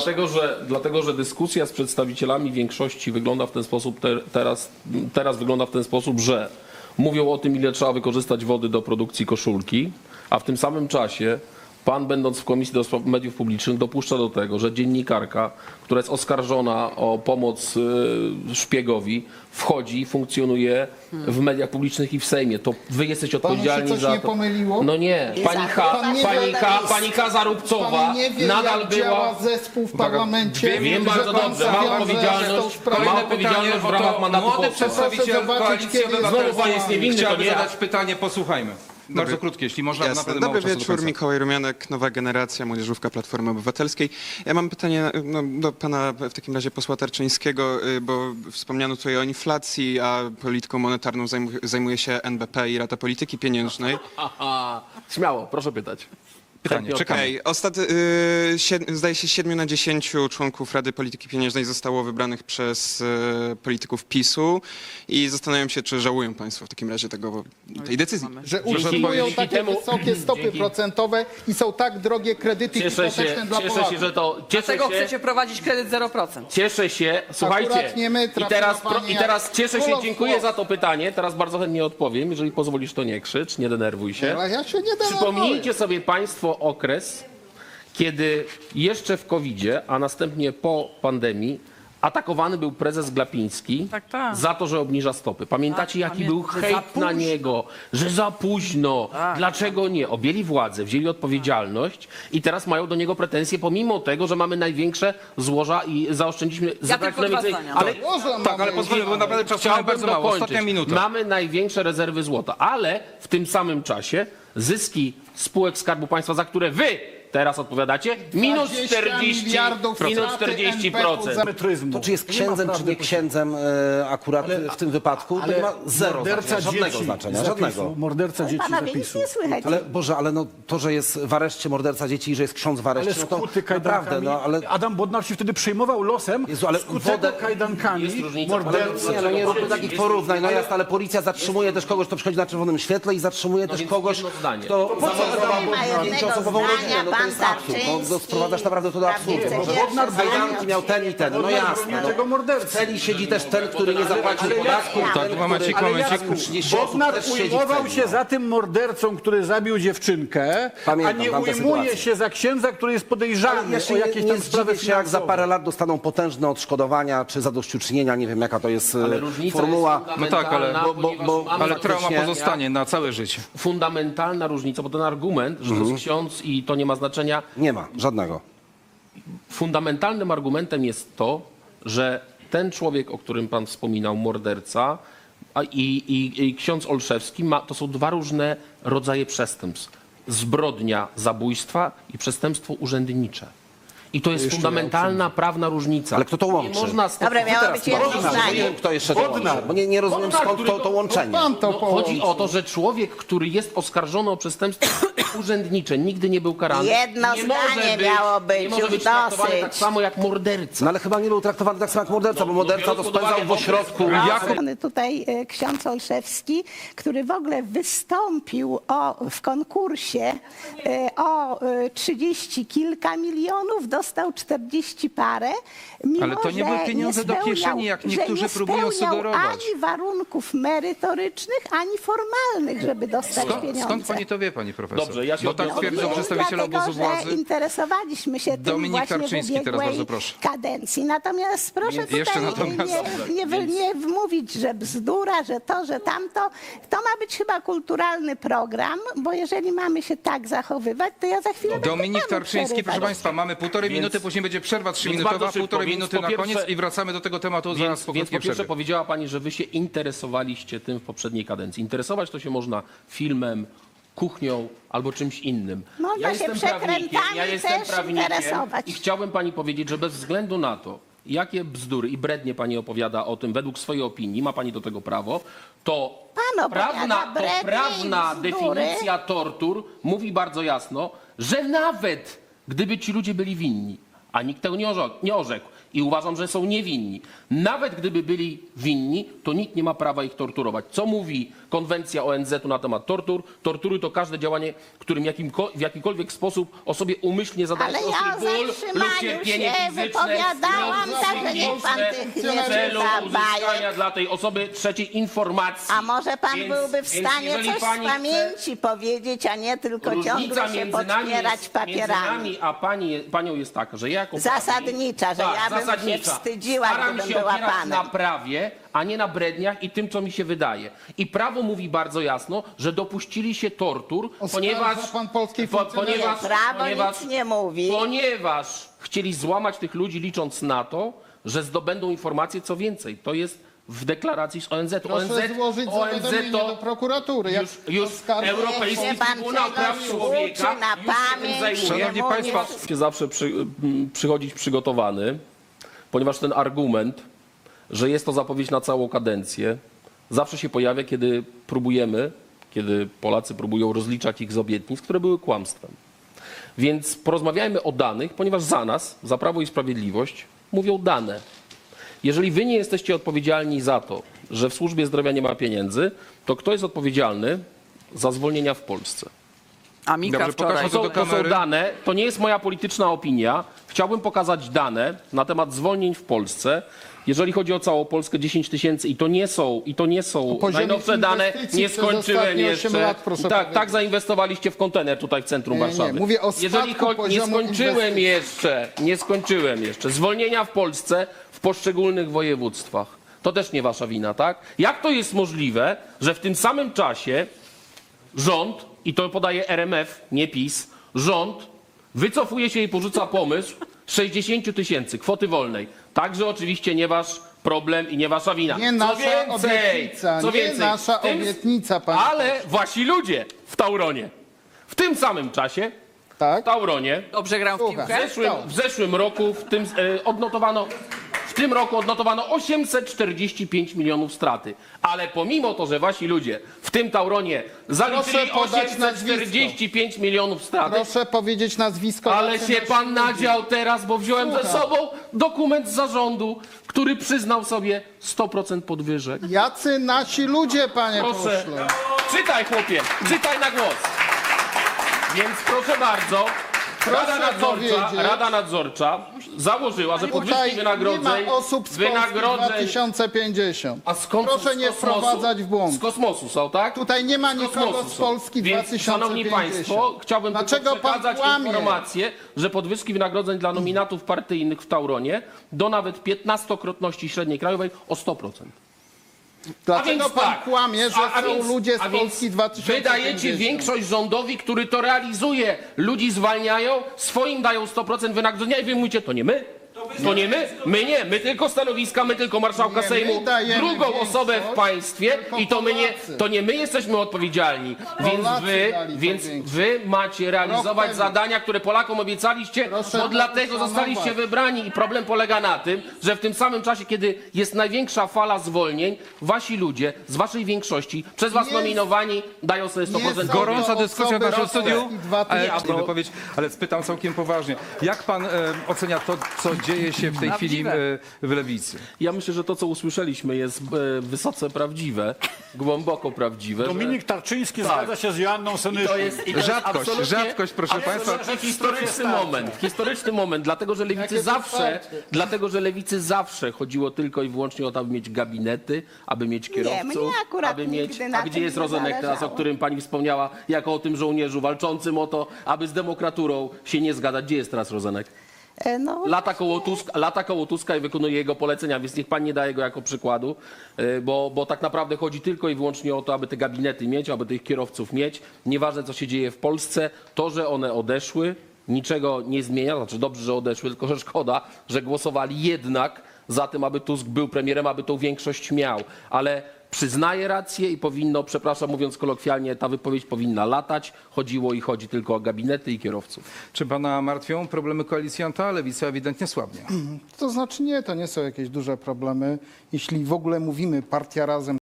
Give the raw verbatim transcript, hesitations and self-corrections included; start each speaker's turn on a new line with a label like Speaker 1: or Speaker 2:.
Speaker 1: Dlatego że, dlatego, że dyskusja z przedstawicielami większości wygląda w ten sposób, te, teraz, teraz wygląda w ten sposób, że mówią o tym, ile trzeba wykorzystać wody do produkcji koszulki, a w tym samym czasie pan, będąc w Komisji do Spraw Mediów Publicznych, dopuszcza do tego, że dziennikarka, która jest oskarżona o pomoc y, szpiegowi, wchodzi, funkcjonuje w mediach publicznych i w Sejmie. To wy jesteście odpowiedzialni
Speaker 2: Panu się coś
Speaker 1: za
Speaker 2: nie
Speaker 1: to.
Speaker 2: pomyliło?
Speaker 1: No nie, pani K,
Speaker 2: Pan nie
Speaker 1: pani
Speaker 2: wie-
Speaker 1: K, pani K Zarubcowa
Speaker 2: Pan nie wie,
Speaker 1: nadal
Speaker 2: jak
Speaker 1: była...
Speaker 2: działa zespół w parlamencie.
Speaker 1: Wiem
Speaker 2: że
Speaker 1: bardzo
Speaker 2: pan
Speaker 1: dobrze, ma
Speaker 2: zawiązał
Speaker 1: odpowiedzialność,
Speaker 2: tą sprawę.
Speaker 1: ma odpowiedzialność w ramach mandatu
Speaker 3: Młody
Speaker 1: posła.
Speaker 3: przedstawiciel
Speaker 2: Proszę zobaczyć,
Speaker 3: Koalicji
Speaker 2: kiedy jest
Speaker 3: Obywatelskiej
Speaker 1: Znowu pan jest niewinny, to
Speaker 3: chciałby
Speaker 1: nie ja.
Speaker 3: zadać pytanie, posłuchajmy. Bardzo krótkie, jeśli można,
Speaker 4: Jasne.
Speaker 3: naprawdę mało
Speaker 4: Dobry
Speaker 3: czasu do
Speaker 4: wieczór,
Speaker 3: końca.
Speaker 4: Mikołaj Rumianek, Nowa Generacja, Młodzieżówka Platformy Obywatelskiej. Ja mam pytanie no, do pana w takim razie posła Tarczyńskiego, y, bo wspomniano tutaj o inflacji, a polityką monetarną zajmuje, zajmuje się N B P i Rada Polityki Pieniężnej.
Speaker 1: Aha, śmiało, proszę pytać.
Speaker 3: Pytanie, czekamy.
Speaker 4: Okej, ostat... y, sied... zdaje się siedmiu na dziesięciu członków Rady Polityki Pieniężnej zostało wybranych przez y, polityków PiSu i zastanawiam się, czy żałują państwo w takim razie tego, tej decyzji.
Speaker 2: Że
Speaker 1: Dzięki-
Speaker 2: utrzymują
Speaker 1: dzięki
Speaker 2: takie
Speaker 1: temu-
Speaker 2: wysokie stopy
Speaker 1: dzięki-
Speaker 2: procentowe i są tak drogie kredyty
Speaker 1: Cieszę
Speaker 2: hipoteczne
Speaker 1: się,
Speaker 2: dla
Speaker 1: cieszę
Speaker 2: Polaków.
Speaker 1: się, że to... Cieszę
Speaker 5: Dlaczego
Speaker 1: się,
Speaker 5: chcecie prowadzić kredyt zero procent?
Speaker 1: Cieszę się, słuchajcie,
Speaker 2: Akurat nie my,
Speaker 1: i
Speaker 2: trafiła
Speaker 1: teraz,
Speaker 2: pani
Speaker 1: pro, i
Speaker 2: jak
Speaker 1: teraz cieszę się,
Speaker 2: królowsko.
Speaker 1: dziękuję za to pytanie, teraz bardzo chętnie odpowiem, jeżeli pozwolisz, to nie krzycz, nie denerwuj się.
Speaker 2: Ale ja się nie denerwuję.
Speaker 1: Przypomnijcie sobie państwo okres, kiedy jeszcze w kowidzie, a następnie po pandemii, atakowany był prezes Glapiński
Speaker 5: Tak, tak.
Speaker 1: za to, że obniża stopy. Pamiętacie,
Speaker 5: Tak,
Speaker 1: jaki
Speaker 5: pamię-
Speaker 1: był
Speaker 5: że za
Speaker 1: hejt na
Speaker 5: późno.
Speaker 1: niego, że za późno.
Speaker 5: Tak.
Speaker 1: Dlaczego nie? Objęli władzę, wzięli odpowiedzialność i teraz mają do niego pretensje, pomimo tego, że mamy największe złoża i zaoszczędziliśmy... zatraciliśmy
Speaker 5: tylko dwa
Speaker 1: więcej-
Speaker 5: zdania.
Speaker 1: Ale
Speaker 2: Złoża
Speaker 3: Tak, ale
Speaker 2: mamy.
Speaker 3: pozwolę, bo naprawdę czasu mamy
Speaker 1: Chciałbym
Speaker 3: bardzo mało.
Speaker 1: dokończyć.
Speaker 3: Ostatnia minuta.
Speaker 1: Mamy największe rezerwy złota, ale w tym samym czasie zyski spółek Skarbu Państwa, za które wy teraz odpowiadacie, minus
Speaker 2: dwadzieścia
Speaker 1: czterdzieści,
Speaker 2: miliardów
Speaker 1: minus
Speaker 2: straty
Speaker 1: czterdzieści procent.
Speaker 2: N B P-u za-
Speaker 6: To czy jest księdzem, czy nie księdzem e, akurat w tym wypadku, to nie ma zero
Speaker 7: morderca
Speaker 6: znaczenia, żadnego
Speaker 7: dzieci
Speaker 6: znaczenia,
Speaker 7: z zapisu,
Speaker 6: żadnego.
Speaker 7: Morderca dzieci z
Speaker 8: Panowie, nic
Speaker 7: zapisu.
Speaker 8: nie słychać.
Speaker 6: Ale Boże, ale no, to, że jest w areszcie morderca dzieci i że jest ksiądz w
Speaker 7: Ale
Speaker 6: areszcie, no to
Speaker 7: skuty
Speaker 6: naprawdę,
Speaker 7: kajdankami.
Speaker 6: no ale...
Speaker 7: Adam Bodnar się wtedy przejmował losem.
Speaker 6: Jezu, ale
Speaker 7: skutego
Speaker 6: wodę-
Speaker 7: kajdankami
Speaker 1: Jest różnica.
Speaker 7: mordercy.
Speaker 6: Nie, no nie róbmy takich porównań, no jasne, ale policja zatrzymuje też kogoś, kto przychodzi na czerwonym świetle i zatrzymuje też
Speaker 1: więc
Speaker 6: kogoś,
Speaker 1: jedno zdanie.
Speaker 6: kto zamordował
Speaker 8: Nie ma jednego
Speaker 6: pięcioosobową
Speaker 8: zdania,
Speaker 6: rodzinę, no to
Speaker 8: pan
Speaker 6: jest absurd, no,
Speaker 8: Tarczyński
Speaker 6: no, sprowadzasz naprawdę to do absurdu.
Speaker 8: prawnicy
Speaker 6: No,
Speaker 8: pierwsze
Speaker 6: Kajdanki
Speaker 8: zdania.
Speaker 6: miał ten i ten, no jasne.
Speaker 7: tego
Speaker 6: No.
Speaker 7: mordercy.
Speaker 6: W celi siedzi też ten, który nie zapłacił podatku,
Speaker 3: Tak,
Speaker 6: ten,
Speaker 3: momencik,
Speaker 6: który...
Speaker 3: momencik.
Speaker 6: Ale trzydzieści osób
Speaker 7: Bodnar
Speaker 6: też siedzi w
Speaker 7: ujmował
Speaker 6: celi,
Speaker 7: się
Speaker 6: no.
Speaker 7: za tym mordercą, który zabił dziewczynkę,
Speaker 6: Pamiętam
Speaker 7: a nie
Speaker 6: tamtę
Speaker 7: ujmuje
Speaker 6: sytuację.
Speaker 7: się za księdza, który jest podejrzany
Speaker 6: Jeszcze
Speaker 7: o
Speaker 6: nie,
Speaker 7: jakieś
Speaker 6: nie
Speaker 7: tam sprawy
Speaker 6: zdziwię się, jak za
Speaker 7: finansowe.
Speaker 6: parę lat dostaną potężne odszkodowania czy zadośćuczynienia, nie wiem jaka to jest
Speaker 1: Ale
Speaker 6: e,
Speaker 1: różnica
Speaker 6: formuła.
Speaker 1: jest
Speaker 3: No tak, ale-
Speaker 1: fundamentalna,
Speaker 6: bo- bo-
Speaker 1: ponieważ
Speaker 6: bo-
Speaker 1: mamy
Speaker 3: Ale trauma
Speaker 6: faktycznie-
Speaker 3: pozostanie na całe życie.
Speaker 1: fundamentalna różnica, bo ten argument, że
Speaker 6: Mhm.
Speaker 1: to jest ksiądz i to nie ma znaczenia,
Speaker 6: Nie ma, żadnego.
Speaker 1: fundamentalnym argumentem jest to, że ten człowiek, o którym pan wspominał, morderca a i, i, i ksiądz Olszewski, ma, to są dwa różne rodzaje przestępstw. Zbrodnia zabójstwa i przestępstwo urzędnicze. I to jest fundamentalna prawna różnica.
Speaker 6: Ale kto to łączy?
Speaker 1: Nie można
Speaker 8: Dobra, miało być jedno
Speaker 6: Bodnar, bo nie
Speaker 8: zdanie.
Speaker 6: wiem, kto jeszcze to łączy, bo nie, nie rozumiem
Speaker 1: Bodnar,
Speaker 6: skąd
Speaker 1: który
Speaker 6: to,
Speaker 1: to-
Speaker 6: to łączenie.
Speaker 2: Pan to
Speaker 1: No,
Speaker 2: połączy.
Speaker 1: chodzi o to, że człowiek, który jest oskarżony o przestępstwo urzędnicze, nigdy nie był karany.
Speaker 8: Jedno
Speaker 1: nie
Speaker 8: zdanie
Speaker 1: może być,
Speaker 8: miało być,
Speaker 1: nie może
Speaker 8: już
Speaker 1: być traktowany
Speaker 8: dosyć.
Speaker 1: tak samo jak morderca.
Speaker 6: No ale chyba nie był traktowany tak samo jak morderca, bo morderca to
Speaker 1: biorąc pod
Speaker 6: spędzał
Speaker 1: uwagę
Speaker 6: w ośrodku.
Speaker 8: Jako... Tutaj e, ksiądz Olszewski, który w ogóle wystąpił o, w konkursie e, o e, trzydzieści kilka milionów, dostał czterdzieści parę, mimo
Speaker 3: Ale to nie
Speaker 8: że
Speaker 3: były pieniądze do
Speaker 8: spełniał-
Speaker 3: kieszeni, jak
Speaker 8: że
Speaker 3: niektórzy
Speaker 8: nie
Speaker 3: próbują
Speaker 8: spełniał
Speaker 3: sugerować.
Speaker 8: ani warunków merytorycznych, ani formalnych, żeby dostać
Speaker 3: Skąd,
Speaker 8: pieniądze.
Speaker 3: skąd pani to wie, pani profesor?
Speaker 1: Dobrze, ja się
Speaker 3: Bo tak
Speaker 1: odniosę-
Speaker 3: twierdzą
Speaker 8: Wiem,
Speaker 3: przedstawiciele
Speaker 8: dlatego,
Speaker 3: obozu władzy.
Speaker 8: że interesowaliśmy się tym
Speaker 3: Dominik
Speaker 8: właśnie
Speaker 3: Tarczyński,
Speaker 8: w
Speaker 3: teraz
Speaker 8: ubiegłej
Speaker 3: bardzo proszę.
Speaker 8: kadencji. Natomiast proszę
Speaker 3: Je-
Speaker 8: tutaj
Speaker 3: jeszcze natomiast-
Speaker 8: nie, nie, wy- nie wmówić, że bzdura, że to, że tamto. To ma być chyba kulturalny program, bo jeżeli mamy się tak zachowywać, to ja za chwilę będę
Speaker 3: Dominik
Speaker 8: panu
Speaker 3: Tarczyński, proszę
Speaker 8: przerywać.
Speaker 3: Państwa, mamy półtorej
Speaker 1: Więc-
Speaker 3: minuty, później będzie przerwa
Speaker 1: bardzo
Speaker 3: trzyminutowa,
Speaker 1: szybko,
Speaker 3: półtorej
Speaker 1: więc
Speaker 3: minuty
Speaker 1: po
Speaker 3: na
Speaker 1: pierwsze-
Speaker 3: koniec i wracamy do tego tematu zaraz
Speaker 1: Więc,
Speaker 3: po
Speaker 1: więc po
Speaker 3: krótkiej
Speaker 1: pierwsze
Speaker 3: przerwie.
Speaker 1: powiedziała pani, że wy się interesowaliście tym w poprzedniej kadencji. Interesować to się można filmem, kuchnią albo czymś innym.
Speaker 8: Można się przekrętami
Speaker 1: ja jestem
Speaker 8: też
Speaker 1: prawnikiem
Speaker 8: interesować.
Speaker 1: i chciałbym pani powiedzieć, że bez względu na to, jakie bzdury i brednie pani opowiada o tym według swojej opinii, ma pani do tego prawo, to
Speaker 8: Pan opowiada
Speaker 1: prawna, to
Speaker 8: brednie i
Speaker 1: prawna
Speaker 8: bzdury.
Speaker 1: definicja tortur mówi bardzo jasno, że nawet gdyby ci ludzie byli winni, a nikt tego nie orzekł, nie orzekł. I uważam, że są niewinni. Nawet gdyby byli winni, to nikt nie ma prawa ich torturować. Co mówi konwencja O N Z u na temat tortur? Tortury to każde działanie, którym jakimko, w jakikolwiek sposób osobie umyślnie zadaje
Speaker 8: Ale
Speaker 1: ostry
Speaker 8: ja o
Speaker 1: ból lub
Speaker 8: zatrzymaniu
Speaker 1: cierpienie
Speaker 8: się
Speaker 1: fizyczne
Speaker 8: wypowiadałam,
Speaker 1: lub
Speaker 8: także niech pan
Speaker 1: psychiczne
Speaker 8: tych nie
Speaker 1: w celu
Speaker 8: rzuca
Speaker 1: uzyskania
Speaker 8: bajek.
Speaker 1: dla tej osoby trzeciej informacji.
Speaker 8: A może pan
Speaker 1: Więc-
Speaker 8: byłby w
Speaker 1: więc
Speaker 8: stanie
Speaker 1: jeżeli
Speaker 8: coś
Speaker 1: pani
Speaker 8: z
Speaker 1: chce-
Speaker 8: pamięci powiedzieć, a nie tylko
Speaker 1: Różnica
Speaker 8: ciągle się
Speaker 1: między nami,
Speaker 8: podpierać
Speaker 1: jest, między
Speaker 8: papierami.
Speaker 1: nami a pani, panią jest taka, że ja jako
Speaker 8: Zasadnicza, że
Speaker 1: prawnik-
Speaker 8: ja bym się
Speaker 1: zasadnicza.
Speaker 8: wstydziła,
Speaker 1: Staram
Speaker 8: gdybym
Speaker 1: się
Speaker 8: była
Speaker 1: opierać
Speaker 8: panem.
Speaker 1: na prawie, a nie na bredniach i tym, co mi się wydaje. I prawo mówi bardzo jasno, że dopuścili się tortur,
Speaker 2: Oskarża
Speaker 1: ponieważ,
Speaker 2: pan polskiej
Speaker 1: po,
Speaker 2: funkcjonariuszy.
Speaker 1: ponieważ,
Speaker 8: Prawo
Speaker 1: ponieważ,
Speaker 8: nic nie mówi.
Speaker 1: ponieważ chcieli złamać tych ludzi, licząc na to, że zdobędą informacje, co więcej. To jest w deklaracji z O N Z.
Speaker 2: Proszę
Speaker 1: O N Z,
Speaker 2: złożyć
Speaker 1: O N Z
Speaker 2: zawiadomienie
Speaker 1: to
Speaker 2: do prokuratury. Jak
Speaker 1: już, już
Speaker 2: oskarża-
Speaker 1: Europejski
Speaker 8: Niech się pan
Speaker 1: Trybunał Praw
Speaker 8: czegoś
Speaker 1: Człowieka
Speaker 8: uczy na
Speaker 1: już się tym
Speaker 8: pamięć,
Speaker 1: zajmuje.
Speaker 3: Szanowni
Speaker 8: nie
Speaker 3: państwo,
Speaker 8: mówię-
Speaker 1: Się zawsze przy, m, przychodzić przygotowany, ponieważ ten argument, że jest to zapowiedź na całą kadencję, zawsze się pojawia, kiedy próbujemy, kiedy Polacy próbują rozliczać ich z obietnic, które były kłamstwem. Więc porozmawiajmy o danych, ponieważ za nas, za Prawo i Sprawiedliwość, mówią dane. Jeżeli wy nie jesteście odpowiedzialni za to, że w służbie zdrowia nie ma pieniędzy, to kto jest odpowiedzialny za zwolnienia w Polsce?
Speaker 5: A Mika
Speaker 3: Dobrze,
Speaker 5: wczoraj.
Speaker 3: pokażmy
Speaker 1: To są,
Speaker 3: do
Speaker 1: to są
Speaker 3: kamery.
Speaker 1: dane, to nie jest moja polityczna opinia. Chciałbym pokazać dane na temat zwolnień w Polsce. Jeżeli chodzi o całą Polskę, dziesięć tysięcy i to nie są, i to nie są
Speaker 2: poziomie
Speaker 1: najnowsze dane,
Speaker 2: inwestycji
Speaker 1: nie
Speaker 2: przez
Speaker 1: skończyłem
Speaker 2: ostatnie osiem
Speaker 1: jeszcze.
Speaker 2: lat, proszę
Speaker 1: tak,
Speaker 2: powiedzieć.
Speaker 1: tak zainwestowaliście w kontener tutaj w centrum
Speaker 2: Nie, nie,
Speaker 1: Warszawy.
Speaker 2: mówię o
Speaker 1: Jeżeli
Speaker 2: spadku
Speaker 1: cho- nie
Speaker 2: poziomu
Speaker 1: skończyłem
Speaker 2: inwestycji.
Speaker 1: jeszcze, nie skończyłem jeszcze. Zwolnienia w Polsce w poszczególnych województwach. To też nie wasza wina, tak? Jak to jest możliwe, że w tym samym czasie rząd, i to podaje R M F, nie PiS, rząd wycofuje się i porzuca pomysł sześćdziesiąt tysięcy kwoty wolnej. Także oczywiście nie wasz problem i nie wasza wina.
Speaker 2: Nie
Speaker 1: co
Speaker 2: nasza
Speaker 1: więcej,
Speaker 2: obietnica,
Speaker 1: co
Speaker 2: nie
Speaker 1: więcej,
Speaker 2: nasza
Speaker 1: w tym-
Speaker 2: obietnica, panie
Speaker 1: Ale wasi ludzie w Tauronie w tym samym czasie w
Speaker 2: Tak?
Speaker 1: Tauronie
Speaker 5: Dobrze gram w
Speaker 2: Słucham.
Speaker 1: w
Speaker 5: piłkę?
Speaker 1: zeszłym, w zeszłym roku w tym, e, odnotowano w tym roku odnotowano osiemset czterdzieści pięć milionów straty. Ale pomimo to, że wasi ludzie w tym Tauronie zaliczyli
Speaker 2: Proszę podać
Speaker 1: osiemset czterdzieści pięć milionów straty,
Speaker 2: Proszę powiedzieć nazwisko.
Speaker 1: ale
Speaker 2: jacy
Speaker 1: się
Speaker 2: nasi
Speaker 1: pan
Speaker 2: ludzie.
Speaker 1: nadział teraz, bo wziąłem ze
Speaker 2: Słucham.
Speaker 1: sobą dokument z zarządu, który przyznał sobie sto procent podwyżek.
Speaker 2: Jacy nasi ludzie, panie
Speaker 1: Proszę,
Speaker 2: pośle.
Speaker 1: czytaj chłopie, czytaj na głos. Więc proszę bardzo, Rada
Speaker 2: Proszę
Speaker 1: Nadzorcza,
Speaker 2: powiedzieć-
Speaker 1: Rada Nadzorcza założyła, że podwyżki
Speaker 2: Tutaj nie
Speaker 1: wynagrodzeń,
Speaker 2: ma osób z Polski dwa
Speaker 1: wynagrodzeń,
Speaker 2: tysiące pięćdziesiąt.
Speaker 1: a skąd
Speaker 2: Proszę
Speaker 1: z
Speaker 2: nie
Speaker 1: kosmosu?
Speaker 2: wprowadzać w błąd.
Speaker 1: Z kosmosu są, tak?
Speaker 2: Tutaj nie ma
Speaker 1: Z
Speaker 2: nikogo
Speaker 1: kosmosu
Speaker 2: z
Speaker 1: są.
Speaker 2: Polski
Speaker 1: Więc,
Speaker 2: dwa tysiące
Speaker 1: szanowni
Speaker 2: pięćdziesiąt.
Speaker 1: państwo, chciałbym
Speaker 2: Dlaczego
Speaker 1: tylko
Speaker 2: pan
Speaker 1: przekazać
Speaker 2: kłamie?
Speaker 1: informację, że podwyżki wynagrodzeń dla nominatów partyjnych w Tauronie do nawet piętnastokrotności średniej krajowej o sto procent.
Speaker 2: Dlaczego pan kłamie, że
Speaker 1: a- a
Speaker 2: są
Speaker 1: więc-
Speaker 2: ludzie z
Speaker 1: a więc
Speaker 2: Polski dwa tysiące pięćdziesiąt?
Speaker 1: Wydajecie większość rządowi, który to realizuje. Ludzi zwalniają, swoim dają sto procent wynagrodzenia i wy mówicie, to nie my? To nie my? My nie, my tylko stanowiska, my tylko marszałka
Speaker 2: Nie, my
Speaker 1: Sejmu,
Speaker 2: dajemy
Speaker 1: drugą
Speaker 2: większość,
Speaker 1: osobę w państwie
Speaker 2: tylko
Speaker 1: i to my nie,
Speaker 2: Polacy.
Speaker 1: to nie my jesteśmy odpowiedzialni. Więc
Speaker 2: Polacy
Speaker 1: wy,
Speaker 2: dali tą
Speaker 1: więc
Speaker 2: większość.
Speaker 1: wy macie realizować
Speaker 2: temu.
Speaker 1: zadania, które Polakom obiecaliście,
Speaker 2: Proszę
Speaker 1: bo
Speaker 2: to
Speaker 1: dlatego zostaliście
Speaker 2: uszanować.
Speaker 1: wybrani i problem polega na tym, że w tym samym czasie, kiedy jest największa fala zwolnień, wasi ludzie z waszej większości, przez was
Speaker 2: Nie-
Speaker 1: nominowani, dają sobie sto procent
Speaker 2: są to
Speaker 3: Gorąca dyskusja w
Speaker 2: osoby
Speaker 3: naszym
Speaker 2: z
Speaker 3: studiu.
Speaker 2: Polski dwa
Speaker 3: Ale,
Speaker 2: tysiące.
Speaker 3: nie wypowiedź, ale spytam całkiem poważnie. Jak pan e, ocenia to, co dzieje się w tej chwili e, w Lewicy?
Speaker 1: Ja myślę, że to, co usłyszeliśmy, jest e, wysoce prawdziwe, głęboko prawdziwe.
Speaker 7: Dominik Tarczyński
Speaker 1: Tak.
Speaker 7: zgadza się z Joanną
Speaker 1: że
Speaker 7: Senyszyn.
Speaker 1: to jest, i to jest
Speaker 3: Rzadkość,
Speaker 1: absolutnie-
Speaker 3: rzadkość, proszę
Speaker 1: absolutnie
Speaker 3: państwa.
Speaker 1: historyczny moment, historyczny moment, dlatego że lewicy
Speaker 2: Jakie
Speaker 1: zawsze,
Speaker 2: wsparcie.
Speaker 1: dlatego że lewicy zawsze chodziło tylko i wyłącznie o to, aby mieć gabinety, aby mieć kierowców,
Speaker 8: mnie akurat
Speaker 1: aby mieć.
Speaker 8: nigdy na
Speaker 1: A gdzie
Speaker 8: tym
Speaker 1: jest
Speaker 8: nie
Speaker 1: Rozenek teraz, o
Speaker 8: zależało.
Speaker 1: którym pani wspomniała, jako o tym żołnierzu walczącym o to, aby z demokraturą się nie zgadzać? Gdzie jest teraz Rozenek?
Speaker 8: E, No,
Speaker 1: Lata koło, Tuska, lata koło Tuska i wykonuje jego polecenia, więc niech pan nie daje go jako przykładu, y, bo, bo tak naprawdę chodzi tylko i wyłącznie o to, aby te gabinety mieć, aby tych kierowców mieć. Nieważne, co się dzieje w Polsce, to, że one odeszły, niczego nie zmienia. Znaczy dobrze, że odeszły, tylko że szkoda, że głosowali jednak za tym, aby Tusk był premierem, aby tą większość miał. Ale przyznaje rację i powinno, przepraszam, mówiąc kolokwialnie, ta wypowiedź powinna latać. Chodziło i chodzi tylko o gabinety i kierowców.
Speaker 3: Czy pana martwią problemy koalicjanta? Lewica ewidentnie słabnie.
Speaker 2: To znaczy nie, to nie są jakieś duże problemy. Jeśli w ogóle mówimy partia razem,